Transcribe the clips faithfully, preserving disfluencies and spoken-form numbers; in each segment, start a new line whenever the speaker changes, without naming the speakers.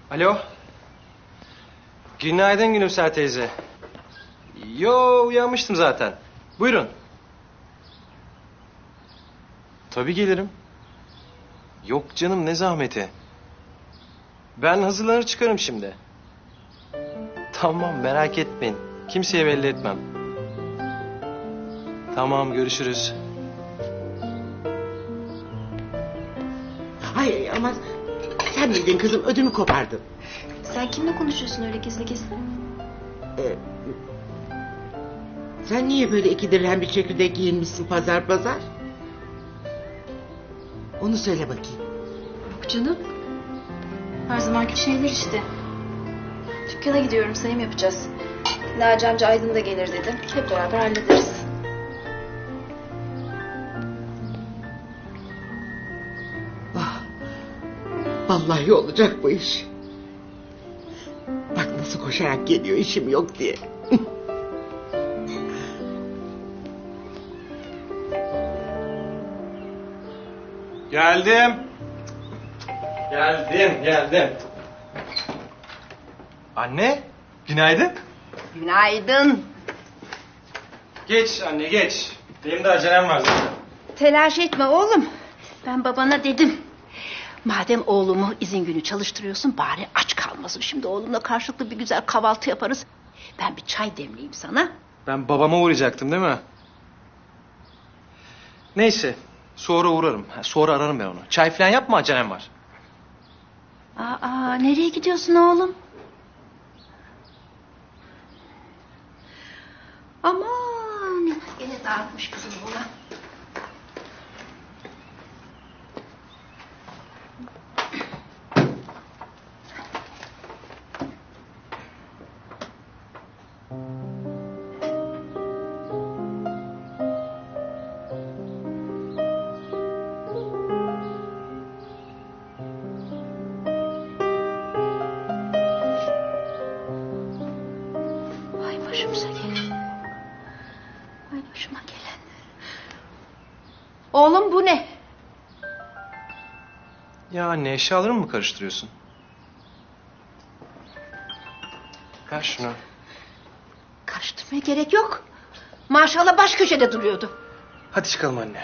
Alo. Günaydın Gülümser teyze. Yo, uyanmıştım zaten. Buyurun. Tabii gelirim. Yok canım, ne zahmeti. Ben hazırlanır çıkarım şimdi. Tamam, merak etmeyin. Kimseye belli etmem. Tamam, görüşürüz.
Hayır ama sen miydin kızım, ödümü kopardın.
Sen kimle konuşuyorsun öyle gizli gizli?
Ee, sen niye böyle iki dirhem bir şekilde giyinmişsin pazar pazar? Onu söyle bakayım.
Yok canım. Her zamanki şeyler işte. Dükkana gidiyorum, sayım yapacağız. Naci amca Aydın da gelir dedi. Hep beraber hallederiz.
Ah, vallahi olacak bu iş. Bak nasıl koşarak geliyor işim yok diye.
Geldim. Geldim, geldim. Anne, günaydın.
Günaydın.
Geç anne, geç. Benim de acelem var zaten.
Telaş etme oğlum. Ben babana dedim. Madem oğlumu izin günü çalıştırıyorsun bari aç kalmasın. Şimdi oğlumla karşılıklı bir güzel kahvaltı yaparız. Ben bir çay demleyeyim sana.
Ben babama uğrayacaktım değil mi? Neyse, sonra uğrarım. Sonra ararım ben onu. Çay falan yapma, acelem var.
Aa, nereye gidiyorsun oğlum? Aman, yine dağıtmış kızım buna. Ay başımıza gelen. Ay başıma gelen. Oğlum bu ne?
Ya anne, eşyalarımı mı karıştırıyorsun? Ver şunu.
Karıştırmaya gerek yok. Maşallah baş köşede duruyordu.
Hadi çıkalım anne.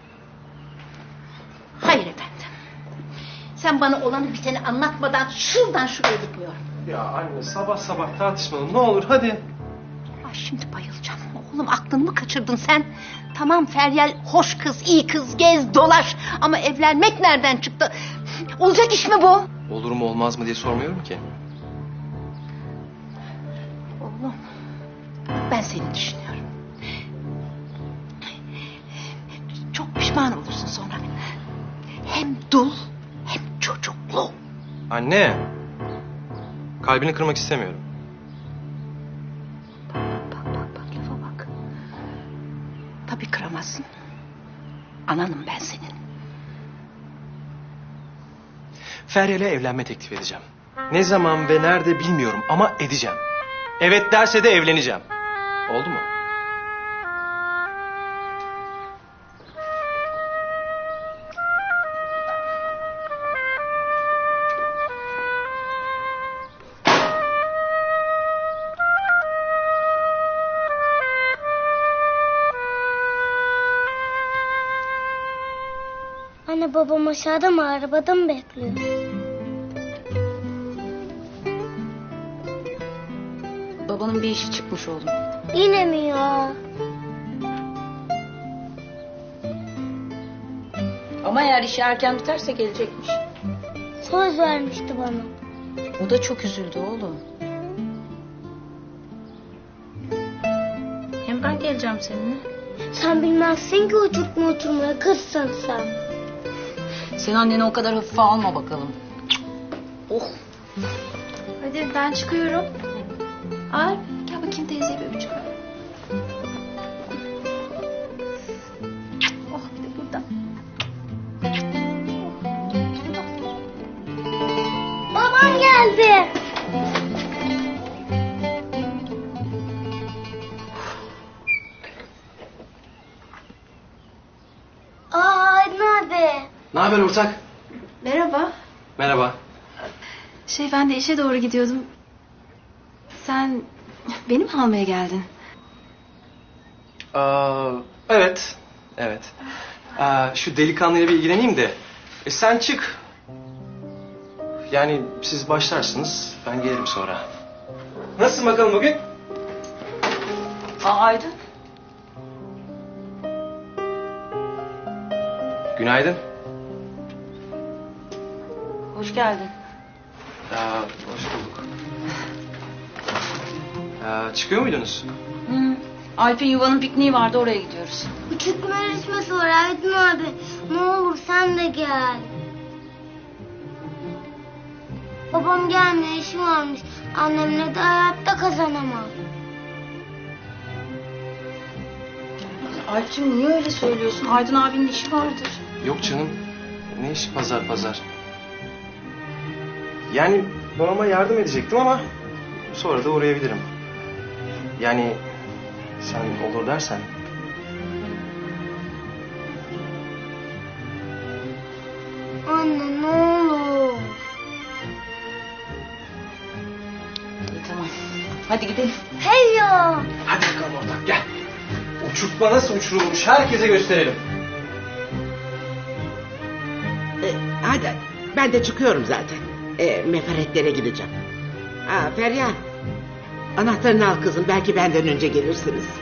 Hayır efendim. Sen bana olanı biteni anlatmadan şuradan şuraya gitmiyorum.
Ya anne, sabah sabah tartışmalım, ne olur hadi.
Ay şimdi bayılacağım. Oğlum aklını mı kaçırdın sen? Tamam Feryal hoş kız, iyi kız, gez dolaş. Ama evlenmek nereden çıktı? Olacak iş mi bu?
Olur mu olmaz mı diye sormuyorum ki.
Oğlum ben seni düşünüyorum. Çok pişman olursun sonra. Hem dul hem çocuklu.
Anne, kalbini kırmak istemiyorum.
Bak bak bak lafa bak. Tabii kıramazsın. Ananım ben senin.
Feryal'e evlenme teklif edeceğim. Ne zaman ve nerede bilmiyorum ama edeceğim. Evet derse de evleneceğim. Oldu mu?
Anne babam aşağıda mı, arabada mı bekliyor?
Babanın bir işi çıkmış oğlum.
Yine mi ya?
Ama eğer işi erken biterse gelecekmiş.
Söz vermişti bana.
O da çok üzüldü oğlum. Hem ben geleceğim seninle.
Sen bilmezsin ki oturtma oturmaya, kızsın sen.
Sen anneni o kadar hafife alma bakalım. Oh. Hadi ben çıkıyorum. Ay gel bakayım teyzeye bir öpücük ver. Oh bir de burada.
Babam geldi. Aa, Aydın abi.
Ne haber ortak?
Merhaba.
Merhaba.
Şey ben de işe doğru gidiyordum. Sen beni mi almaya geldin?
Aa, evet. Evet. Aa, şu delikanlıyla bir ilgileneyim de. E, sen çık. Yani siz başlarsınız. Ben gelirim sonra. Nasılsın bakalım bugün?
Aa, Aydın.
Günaydın.
Hoş geldin.
Aa, hoş bulduk. Aa, çıkıyor muydunuz?
Hı. Alp'in yuvanın pikniği vardı, oraya gidiyoruz.
Küçük bir yarışması var Aydın abi. Ne olur sen de gel. Babam gelmiyor, işi varmış. Annemle de hayatta kazanamam.
Alp'cim niye öyle söylüyorsun? Aydın abinin işi vardır.
Yok canım. Ne iş pazar pazar. Yani babama yardım edecektim ama sonra da uğrayabilirim. Yani sen olur dersen.
Anne ne olur.
İyi tamam. Hadi gidelim.
Hey ya.
Hadi bakalım ortak gel. Uçurtma nasıl uçurulmuş herkese gösterelim.
E, hadi ben de çıkıyorum zaten. E, mefaretlere gideceğim. Aa, Feryal. Anahtarını al kızım. Belki benden önce gelirsiniz.